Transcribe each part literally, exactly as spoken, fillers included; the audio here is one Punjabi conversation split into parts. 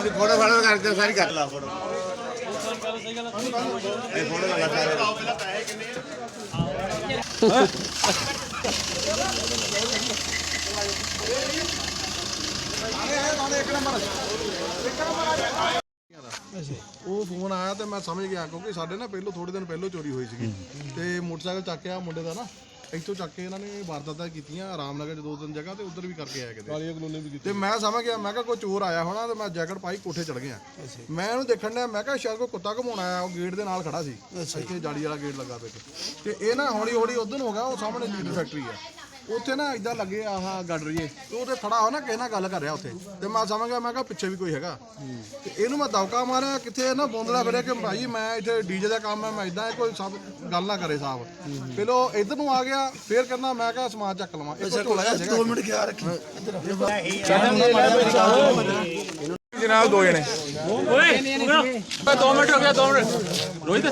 फोटो फाटो करके सारी कर ला फोटो ये फोटो लगा सारे ਉਹ ਫੋਨ ਆਇਆ ਤੇ ਮੈਂ ਸਮਝ ਗਿਆ ਕਿਉਂਕਿ ਸਾਡੇ ਨਾ ਪਹਿਲੋਂ ਥੋੜੇ ਦਿਨ ਪਹਿਲੋਂ ਚੋਰੀ ਹੋਈ ਸੀਗੀ ਤੇ ਮੋਟਰਸਾਈਕਲ ਚੱਕਿਆ ਮੁੰਡੇ ਦਾ ਨਾ ਇੱਥੋਂ ਚੱਕ ਕੇ ਇਹਨਾਂ ਨੇ ਵਾਰਦਾਤਾਂ ਕੀਤੀਆਂ ਰਾਮਨਗਰ 'ਚ ਦੋ ਤਿੰਨ ਜਗ੍ਹਾ ਤੇ ਉੱਧਰ ਵੀ ਕਰਕੇ ਆਇਆ ਕਿਤੇ ਕਾਲੀਆ ਕਲੋਨੀ ਵੀ ਕੀਤੀ ਤੇ ਮੈਂ ਸਮਝ ਗਿਆ ਮੈਂ ਕਿਹਾ ਕੋਈ ਚੋਰ ਆਇਆ ਹੋਣਾ ਤੇ ਮੈਂ ਜੈਕਟ ਪਾਈ ਕੋਠੇ ਚੜ ਗਿਆ ਮੈਂ ਇਹਨੂੰ ਦੇਖਣ ਡਿਆ ਮੈਂ ਕਿਹਾ ਸ਼ਾਇਦ ਕੋਈ ਕੁੱਤਾ ਘਮਾਉਣ ਆਇਆ ਉਹ ਗੇਟ ਦੇ ਨਾਲ ਖੜਾ ਸੀ ਇੱਥੇ ਜਾਲੀ ਵਾਲਾ ਗੇਟ ਲੱਗਾ ਪਿਆ ਤੇ ਇਹ ਨਾ ਹੌਲੀ ਹੌਲੀ ਉਧਰ ਨੂੰ ਹੋ ਗਿਆ ਉਹ ਸਾਹਮਣੇ ਲੀਡਰ ਫੈਕਟਰੀ ਆ ਉੱਥੇ ਨਾ ਇਦਾਂ ਲੱਗੇ ਆਹ ਗੱਡ ਰਹੀਏ ਤੇ ਉਹਦੇ ਖੜਾ ਹੋ ਨਾ ਕਿਸੇ ਨਾਲ ਗੱਲ ਕਰ ਰਿਹਾ ਉੱਥੇ ਤੇ ਮੈਂ ਸਮਝ ਗਿਆ ਮੈਂ ਕਿਹਾ ਪਿੱਛੇ ਵੀ ਕੋਈ ਹੈਗਾ ਤੇ ਇਹਨੂੰ ਮੈਂ ਦੌਕਾ ਮਾਰਿਆ ਕਿੱਥੇ ਨਾ ਬੋਂਦਲਾ ਫਿਰਿਆ ਕਿ ਭਾਈ ਮੈਂ ਇੱਥੇ ਡੀਜੇ ਦਾ ਕੰਮ ਹੈ ਮੈਂ ਇਦਾਂ ਕੋਈ ਸਭ ਗੱਲ ਨਾ ਕਰੇ ਸਾਹਿਬ ਪਹਿਲੋਂ ਇੱਧਰ ਨੂੰ ਆ ਗਿਆ ਫੇਰ ਕਹਿੰਦਾ ਮੈਂ ਕਿਹਾ ਸਮਾਨ ਚੱਕ ਲਵਾਂ ਦੋ ਮਿੰਟ ਖਿਆਲ ਰੱਖੀ जनाब दो जने दो मिनट हो गया दो मिनट रोहित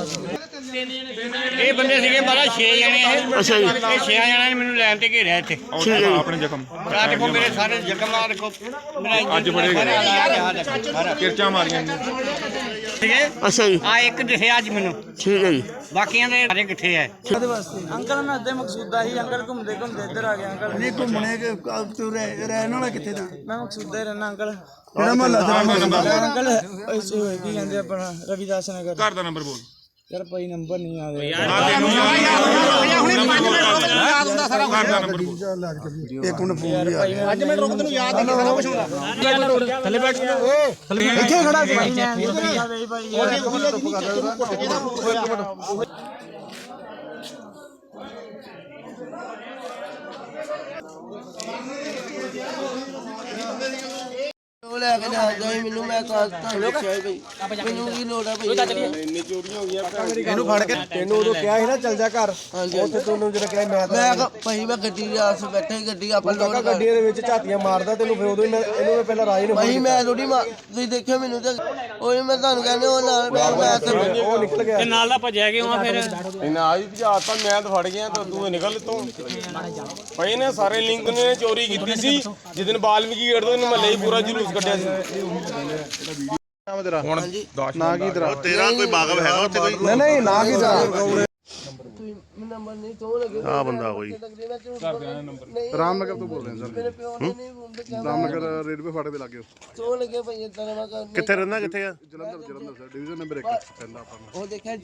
ਇਹ ਬੰਦੇ ਸੀਗੇ ਬਾਰਾ ਛੇ ਜਣੇ ਇਹ ਅੱਛਾ ਜੀ ਇਹ ਛੇ ਜਣਿਆਂ ਨੇ ਮੈਨੂੰ ਲੈਣ ਤੇ ਘੇਰਿਆ ਇੱਥੇ ਆਪਣੇ ਜ਼ਖਮ ਆ ਦੇਖੋ ਮੇਰੇ ਸਾਰੇ ਜ਼ਖਮ ਆ ਦੇਖੋ ਮੇਰਾ ਅੱਜ ਬੜੇ ਕਿਰਚਾਂ ਮਾਰੀਆਂ ਠੀਕ ਹੈ ਅੱਛਾ ਜੀ ਆ ਇੱਕ ਦਿਖਿਆ ਅੱਜ ਮੈਨੂੰ ਠੀਕ ਹੈ ਜੀ ਬਾਕੀਆਂ ਦੇ ਸਾਰੇ ਕਿੱਥੇ ਹੈ ਉਹਦੇ ਵਾਸਤੇ ਅੰਕਲ ਮੈਂ ਅੱਧੇ ਮਕਸੂਦਾ ਹੀ ਅੰਕਲ ਘੁੰਮਦੇ ਘੁੰਮਦੇ ਇੱਧਰ ਆ ਗਿਆ ਅੰਕਲ ਨਹੀਂ ਘੁੰਮਣੇ ਕਿ ਤੂੰ ਰਹਿਣ ਵਾਲਾ ਕਿੱਥੇ ਦਾ ਮੈਂ ਮਕਸੂਦਾ ਹੀ ਰਹਿਣਾ ਅੰਕਲ ਕਿਹੜਾ ਮਹੱਲਾ ਤੇਰਾ ਅੰਕਲ ਐਸੇ ਹੋਏ ਕੀ ਕਹਿੰਦੇ ਆਪਣਾ ਰਵਿਦਾਸ ਨਗਰ ਘਰ ਦਾ ਨੰਬਰ ਬੋਲ ਯਾਰ ਭਾਈ ਨੰਬਰ ਨਹੀਂ ਆ ਰਿਹਾ ਇੱਕ ਮਿੰਟ ਫੋਨ ਵੀ ਆ ਗਿਆ ਅੱਜ ਮੈਂ ਰੁਕ ਤੈਨੂੰ ਯਾਦ ਨਹੀਂ ਸਾਰਾ ਕੁਝ ਹੁੰਦਾ ਥੱਲੇ ਬੈਠ ਇੱਥੇ ਖੜਾ ਸੀ ਭਾਈ ਭਾਈ ਉਹ ਲੈ ਕੇ ਜਾਂਦਾ ਮੈਨੂੰ ਮੈਂ ਕਾਸ ਤਾਂ ਲਿਖਿਆ ਬਈ ਮੈਨੂੰ ਕੀ ਲੋੜ ਆ ਬਈ ਇੰਨੀ ਚੋਰੀਆਂ ਹੋ ਗਈਆਂ ਇਹਨੂੰ ਫੜ ਕੇ ਤੈਨੂੰ ਉਦੋਂ ਕਿਹਾ ਸੀ ਨਾ ਚੱਲ ਜਾ ਘਰ ਉੱਥੇ ਤੈਨੂੰ ਜਿਹੜਾ ਕਿਹਾ ਮੈਂ ਮੈਂ ਕਿਹਾ ਭਾਈ ਮੈਂ ਗੱਡੀ ਦੇ ਆਸ ਬੈਠਾ ਹੀ ਗੱਡੀ ਆਪਾਂ ਲੋਡ ਗੱਡੀ ਦੇ ਵਿੱਚ ਝਾਤੀਆਂ ਮਾਰਦਾ ਤੈਨੂੰ ਫਿਰ ਉਦੋਂ ਇਹਨੂੰ ਪਹਿਲਾਂ ਰਾਜ ਨੂੰ ਭਾਈ ਮੈਂ ਥੋੜੀ ਤੁਸੀਂ ਦੇਖਿਆ ਮੈਨੂੰ ਤੇ ਉਹ ਮੈਂ ਤੁਹਾਨੂੰ ਕਹਿੰਦੇ ਉਹ ਨਾਲ ਮੈਂ ਤੇ ਉਹ ਨਿਕਲ ਗਿਆ ਤੇ ਨਾਲ ਦਾ ਭੱਜਿਆ ਕਿਉਂ ਆ ਫਿਰ ਇਹਨਾਂ ਆ ਵੀ ਭਜਾਤਾ ਮੈਂ ਤਾਂ ਫੜ ਗਿਆ ਤਾਂ ਤੂੰ ਨਿਕਲ ਤੋਂ ਭਾਈ ਨੇ ਸਾਰੇ ਲਿੰਕ ਨੇ ਚੋਰੀ ਕੀਤੀ ਸੀ ਜਿੱਦਨ ਬਾਲਮੀਕੀ ਗੇਟ ਤੋਂ ਮਹੱਲੇ ਹੀ ਪੂਰਾ ਜਲੂਸ ਕੱਢਿਆ ਸੀ ਹੁਣ ਨਾ ਕੀ ਤੇਰਾ ਤੇਰਾ ਕੋਈ ਬਾਗਵ ਹੈਗਾ ਉੱਥੇ ਕੋਈ ਨਹੀਂ ਨਹੀਂ ਨਾ ਕੀ ਤੇਰਾ ਨੰਬਰ ਨਹੀਂ ਤੋਂ ਲੱਗੇ ਆ ਬੰਦਾ ਕੋਈ ਰਾਮਨਗਰ ਤੋਂ ਬੋਲ ਰਹੇ ਮੇਰੇ ਪਿਓ ਨੇ ਨਹੀਂ ਸਰ ਰਾਮਨਗਰ ਰੇਲਵੇ ਫਾਟਕ ਦੇ ਲਾਗੇ ਤੋਂ ਲੱਗੇ ਭਾਈ ਇਦਾਂ ਦਾ ਮੈਂ ਕਿੱਥੇ ਰਹਿੰਦਾ ਕਿੱਥੇ ਆ Jalandhar Jalandhar sir division number ਇੱਕ ਕਹਿੰਦਾ ਆਪਾਂ ਨੂੰ ਉਹ ਦੇਖਿਆ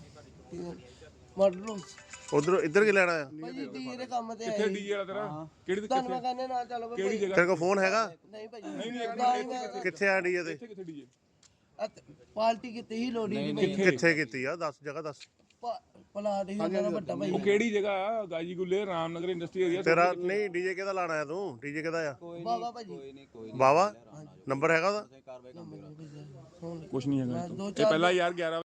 ਮਾਡਲ ਉਧਰ ਇੱਧਰ ਕੀ ਲੈਣਾ ਆ ਭਾਈ ਡੀ ਦੇ ਕੰਮ ਤੇ ਕਿੱਥੇ ਡੀ ਵਾਲਾ ਤੇਰਾ ਕਿਹੜੀ ਤੁਹਾਨੂੰ ਮੈਂ ਕਹਿੰਦੇ ਨਾਲ ਚੱਲੋ ਕਿਹੜੀ ਜਗ੍ਹਾ ਤੇਰੇ ਕੋਲ ਫੋਨ ਹੈਗਾ ਨਹੀਂ ਭਾਈ ਨਹੀਂ ਨਹੀਂ ਕਿੱਥੇ ਆ ਡੀਏ ਤੇ ਪਾਰਟੀ ਕਿਤੇ ਹੀ ਲੋੜੀ ਨਹੀਂ ਭਾਈ ਕਿੱਥੇ ਕੀਤੀ ਆ ਦੱਸ ਜਗ੍ਹਾ ਦੱਸ ਪਲਾਟ ਹੀ ਉਹਨਾਂ ਦਾ ਵੱਡਾ ਭਾਈ ਉਹ ਕਿਹੜੀ ਜਗ੍ਹਾ ਗਾਜੀ ਗੁੱਲੇ ਰਾਮਨਗਰ ਇੰਡਸਟਰੀ ਏਰੀਆ ਤੇਰਾ ਨਹੀਂ ਡੀਜੇ ਕਿਹਦਾ ਲਾਣਾ ਆ ਤੂੰ ਡੀਜੇ ਕਿਹਦਾ ਆ ਬਾਬਾ ਭਾਜੀ ਬਾਵਾ ਨੰਬਰ ਹੈਗਾ ਉਹਦਾ ਕੁਛ ਨਹੀਂ ਹੈਗਾ ਦੋ ਇਹ ਪਹਿਲਾਂ ਯਾਰ ਗਿਆਰਾਂ